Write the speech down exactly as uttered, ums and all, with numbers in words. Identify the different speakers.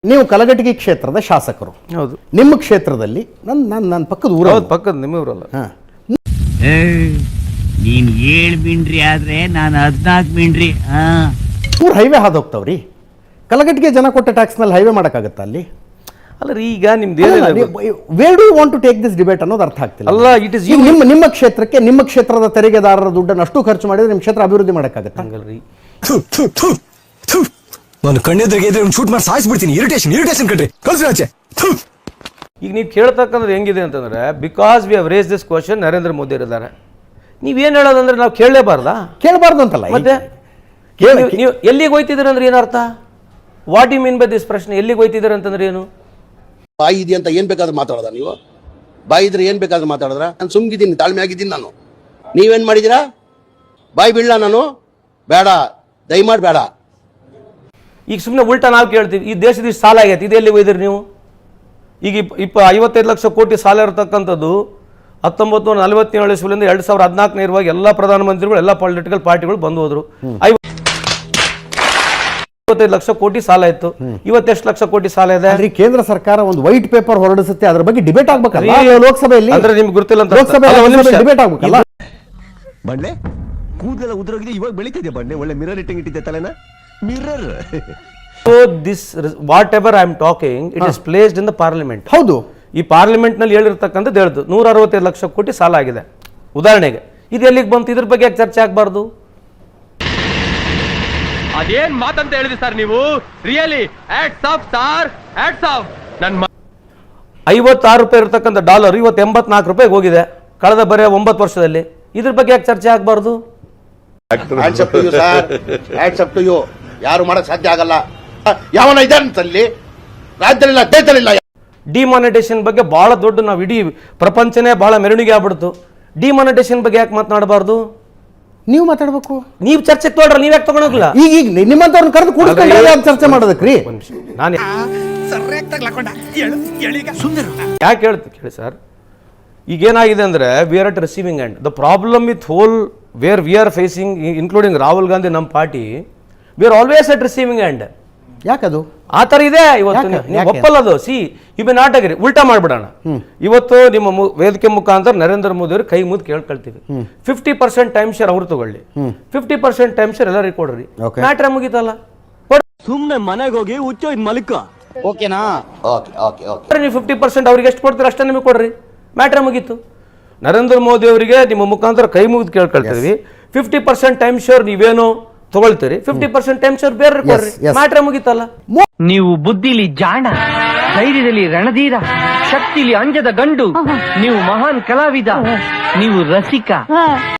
Speaker 1: ನೀವು ಕಲಘಟಗಿ ಕ್ಷೇತ್ರದ ಶಾಸಕರು.
Speaker 2: ಹೌದು.
Speaker 1: ನಿಮ್ಮ ಕ್ಷೇತ್ರದಲ್ಲಿ ನನ್ನ ನನ್ನ ನನ್ನ ಪಕ್ಕದ ಊರ
Speaker 2: ಹೌದು, ಪಕ್ಕದ ನಿಮ್ಮ ಊರಲ್ಲ.
Speaker 1: ಹಾ
Speaker 3: ನೀನ್ ಏಳ್ ಮಿಂಡ್ರಿ ಆದ್ರೆ ನಾನು ಹದ್ನಾಲ್ಕು ಮಿಂಡ್ರಿ. ಹಾ
Speaker 1: ಊರ್ ಹೈವೇ ಹಾದು ಹೋಗ್ತಾವ್ರಿ. ಕಲಘಟಗಿ ಜನ ಕೊಟ್ಟ ಟ್ಯಾಕ್ಸ್ ನಲ್ಲಿ ಹೈವೇ ಮಾಡಕ್ಕಾಗತ್ತಾ ಅಲ್ಲಿ?
Speaker 2: ಅಲ್ಲ ರೀ, ಈಗ ನಿಮ್ದು ಏನಿಲ್ಲ.
Speaker 1: Where do you want to take this debate ಅನ್ನೋದು ಅರ್ಥ ಆಗ್ತಿಲ್ಲ.
Speaker 2: ಅಲ್ಲ, ಇಟ್ ಇಸ್
Speaker 1: ನಿಮ್ಮ ನಿಮ್ಮ ಕ್ಷೇತ್ರಕ್ಕೆ ನಿಮ್ಮ ಕ್ಷೇತ್ರದ ತೆರಿಗೆದಾರರ ದುಡ್ಡನ್ನು ಅಷ್ಟು ಖರ್ಚು ಮಾಡಿದ್ರೆ ನಿಮ್ಮ ಕ್ಷೇತ್ರ ಅಭಿವೃದ್ಧಿ ಮಾಡಕ್ಕಾಗತ್ತಾ?
Speaker 2: ಹಂಗಲ್ರಿ.
Speaker 4: ನಾನು ಕಣ್ಣೆದ್ರಿಗೆ ಶೂಟ್ ಮಾಡಿ ಸಾಯಿಸ್ಬಿಡ್ತೀನಿ. ಇರಿಟೇಷನ್ ಇರಿಟೇಷನ್ ಕಣ್ರಿ, ಕಳ್ಸಿ ಆಚೆ.
Speaker 2: ಈಗ ನೀವು ಕೇಳ್ತಕ್ಕಂದ್ರೆ ಹೆಂಗಿದೆ ಅಂತಂದ್ರೆ, because we have raise this question, Narendra Modi ಇದ್ದಾರೆ. ನೀವೇನು ಹೇಳೋದಂದ್ರೆ ನಾವು ಕೇಳಲೇಬಾರ್ದಾ?
Speaker 1: ಕೇಳಬಾರ್ದು ಅಂತಲ್ಲ.
Speaker 2: ಮತ್ತೆ ನೀವು ಎಲ್ಲಿಗೆ ಹೋಯ್ತಿದ್ದೀರ ಅಂದ್ರೆ ಏನರ್ಥ? What you mean by this ಪ್ರಶ್ನೆ? ಎಲ್ಲಿಗೆ ಹೋಯ್ತಿದ್ದೀರ ಅಂತಂದ್ರೆ ಏನು?
Speaker 5: ಬಾಯಿ ಇದೆ ಅಂತ ಏನ್ ಬೇಕಾದ್ರೂ ಮಾತಾಡೋದ ನೀವು? ಬಾಯಿ ಇದ್ರೆ ಏನ್ ಬೇಕಾದ್ರೂ ಮಾತಾಡಿದ್ರ? ನಾನು ಸುಮ್ಗಿದ್ದೀನಿ, ತಾಳ್ಮೆ ಆಗಿದ್ದೀನಿ ನಾನು. ನೀವೇನ್ ಮಾಡಿದೀರಾ? ಬಾಯಿ ಬೀಳ ನಾನು ಬೇಡ, ದಯಮಾಡಿ ಬೇಡ.
Speaker 2: ಈಗ ಸುಮ್ಮನೆ ಉಲ್ಟಾ ನಾವು ಕೇಳ್ತೀವಿ, ಈ ದೇಶದ ಇಷ್ಟು ಸಾಲ ಆಗೈತೆ, ಇದು ಎಲ್ಲಿಗೆ ಹೋಯ್ದಿರಿ ನೀವು? ಈಗ ಇಪ್ಪ ಇಪ್ಪ ಐವತ್ತೈದು ಲಕ್ಷ ಕೋಟಿ ಸಾಲ ಇರತಕ್ಕಂಥದ್ದು ಹತ್ತೊಂಬತ್ತು ನೂರ ನಲವತ್ತೇಳು ಇಸ್ವಿಯಿಂದ ಎರಡು ಸಾವಿರದ ಹದಿನಾಲ್ಕು ನೇರವಾಗಿ ಎಲ್ಲ ಪ್ರಧಾನಮಂತ್ರಿಗಳು ಎಲ್ಲ ಪೊಲಿಟಿಕಲ್ ಪಾರ್ಟಿಗಳು ಬಂದು ಹೋದ್ರು. ಐವತ್ತೈದು ಲಕ್ಷ ಕೋಟಿ ಸಾಲ ಇತ್ತು. ಇವತ್ತೆಷ್ಟು ಲಕ್ಷ ಕೋಟಿ ಸಾಲ ಇದೆ?
Speaker 1: ಕೇಂದ್ರ ಸರ್ಕಾರ ಒಂದು ವೈಟ್ ಪೇಪರ್ ಹೊರಡಿಸುತ್ತೆ, ಅದ್ರ ಬಗ್ಗೆ ಡಿಬೇಟ್ ಆಗ್ಬೇಕಲ್ಲ ಲೋಕಸಭೆಯಲ್ಲಿ.
Speaker 2: ಅಂದ್ರೆ ನಿಮ್ಗೆ ಗೊತ್ತಿಲ್ಲ ಅಂತ
Speaker 1: ಲೋಕಸಭೆ ಡಿಬೇಟ್ ಆಗ್ಬೇಕಲ್ಲ.
Speaker 4: ಬಂಡೆ ಕೂದಲೆಲ್ಲ ಉದುರೋಗಿದೆ, ಇವಾಗ ಬೆಳಿತಿದೆ ಬಂಡೆ. ಒಳ್ಳೆ ಮಿರರ್ ಇಟ್ಟಂಗೆ ಇಟ್ಟಿದ್ದೆ ತಲೆನ. Mirror.
Speaker 2: So this whatever I am talking, it is placed in the parliament.
Speaker 1: ಹೌದು.
Speaker 2: ಈ ಪಾರ್ಲಿಮೆಂಟ್ ನಲ್ಲಿ ಹೇಳಿರ್ತಕ್ಕಂಥದ್ದು ಹೇಳ್ದು ನೂರ ಅರವತ್ತೈದು ಲಕ್ಷ ಕೋಟಿ ಸಾಲ ಆಗಿದೆ ಉದಾಹರಣೆಗೆ. ಇದು ಎಲ್ಲಿಗೆ ಬಂತು? ಇದ್ರ ಬಗ್ಗೆ ಯಾಕೆ ಚರ್ಚೆ ಆಗಬಾರ್ದು?
Speaker 6: ಅದೇನ್ ಮಾತಂತ ಹೇಳಿದ್ರಿ ಸರ್ ನೀವು? Really hats off sir, hats off. ನನ್ನ
Speaker 2: ಐವತ್ತಾರು ರೂಪಾಯಿ ಇರತಕ್ಕಂಥ ಡಾಲರ್ ಇವತ್ತು ಎಂಬತ್ನಾಲ್ಕು ರೂಪಾಯಿಗೆ ಹೋಗಿದೆ ಕಳೆದ ಬರೀ ಒಂಬತ್ತು ವರ್ಷದಲ್ಲಿ. ಇದ್ರ ಬಗ್ಗೆ ಯಾಕೆ ಚರ್ಚೆ ಆಗಬಾರ್ದು?
Speaker 5: Hands up to you sir, hands up to you. ಯಾರು ಮಾಡಕ್ ಸಾಧ್ಯ ಆಗಲ್ಲ. ಯಾವನ ಇದ್ದಾನಲ್ಲಿ ರಾಜ್ಯದಲ್ಲಿಲ್ಲ, ದೇಶದಲ್ಲಿಲ್ಲ.
Speaker 2: ಡಿಮಾನಿಟೇಷನ್ ಬಗ್ಗೆ ಬಹಳ ದೊಡ್ಡ, ನಾವು ಇಡೀ ಪ್ರಪಂಚನೇ ಬಹಳ ಮೆರವಣಿಗೆ ಆಗ್ಬಿಡ್ತು. ಡಿಮಾನಿಟೇಷನ್ ಬಗ್ಗೆ ಯಾಕೆ ಮಾತನಾಡಬಾರ್ದು?
Speaker 1: ನೀವು ಮಾತಾಡ್ಬೇಕು.
Speaker 2: ನೀವು ಚರ್ಚೆಗೆ ತಗೊಳ್ರ, ನೀವ್ ಯಾಕೆ ತಗೊಳಕ್ಲ?
Speaker 1: ಈಗ ಈಗ ನಿಮ್ಮಂತವ್ರನ್ನ ಕರೆದು ಕೂಡಿಸ್ಕೊಂಡ್ರೆ ಚರ್ಚೆ ಮಾಡೋದಕ್ರಿ.
Speaker 2: ನಾನು ಯಾಕೆ ಹೇಳ್ತಿ ಕೇಳಿ ಸರ್, ಈಗೇನಾಗಿದೆ ಅಂದ್ರೆ we are at receiving end. The problem with whole where we are facing, including Rahul Gandhi, ನಮ್ಮ party, we are always at receiving end.
Speaker 1: ಯಾಕದು
Speaker 2: ಆ ತರ ಇದೆ ಇವತ್ತು. ನೀವು ಒಪ್ಪಲ್ಲದು. See you be not agree. ಉಲ್ಟಾ ಮಾಡ್ಬಿಡೋಣ. ಇವತ್ತು ನಿಮ್ಮ ವೇದಿಕೆ ಮುಖಾಂತರ ನರೇಂದ್ರ ಮೋದಿ ಅವರು ಕೈ ಮುದ್ದು ಕೇಳ್ಕೊಳ್ತೀವಿ, ಫಿಫ್ಟಿ ಪರ್ಸೆಂಟ್ ಟೈಮ್ ಶೇರ್ ಅವ್ರು ತಗೊಳ್ಳಿ, ಫಿಫ್ಟಿ ಪರ್ಸೆಂಟ್ ಟೈಮ್ ಶೇರ್ ಎಲ್ಲರಿಗೂ ಕೊಡ್ರಿ. ಮ್ಯಾಟ್ರ ಮುಗಿತಲ್ಲ.
Speaker 4: ಸುಮ್ನೆ ಮನೆಗೆ ಹೋಗಿ ಹುಚ್ಚೋಯ್ದು ಮಲಿಕ.
Speaker 5: ಓಕೆನಾ? Okay okay okay.
Speaker 2: ನೀವು ಫಿಫ್ಟಿ ಪರ್ಸೆಂಟ್ ಅವ್ರಿಗೆ ಎಷ್ಟು ಕೊಡ್ತೀರ ಅಷ್ಟೇ ನಿಮಗೆ ಕೊಡ್ರಿ. ಮ್ಯಾಟ್ರ ಮುಗೀತು. ನರೇಂದ್ರ ಮೋದಿ ಅವರಿಗೆ ನಿಮ್ಮ ಮುಖಾಂತರ ಕೈ ಮುಗಿದು ಕೇಳ್ಕೊಳ್ತೀವಿ, ಫಿಫ್ಟಿ ಪರ್ಸೆಂಟ್ ಟೈಮ್ ಶೇರ್ ನೀವೇನು ತಗೊಳ್ತೀರಿ, ಫಿಫ್ಟಿ ಪರ್ಸೆಂಟ್ ಟೈಮ್ ಶೇರ್ ಬೇರೆ ಕೊಡ್ರಿ. ಮ್ಯಾಟ್ರ ಮುಗೀತಲ್ಲ.
Speaker 7: ನೀವು ಬುದ್ಧಿಲಿ ಜಾಣ, ಧೈರ್ಯದಲ್ಲಿ ರಣಧೀರ, ಶಕ್ತಿಲಿ ಅಂಜದ ಗಂಡು, ನೀವು ಮಹಾನ್ ಕಲಾವಿದ, ನೀವು ರಸಿಕ.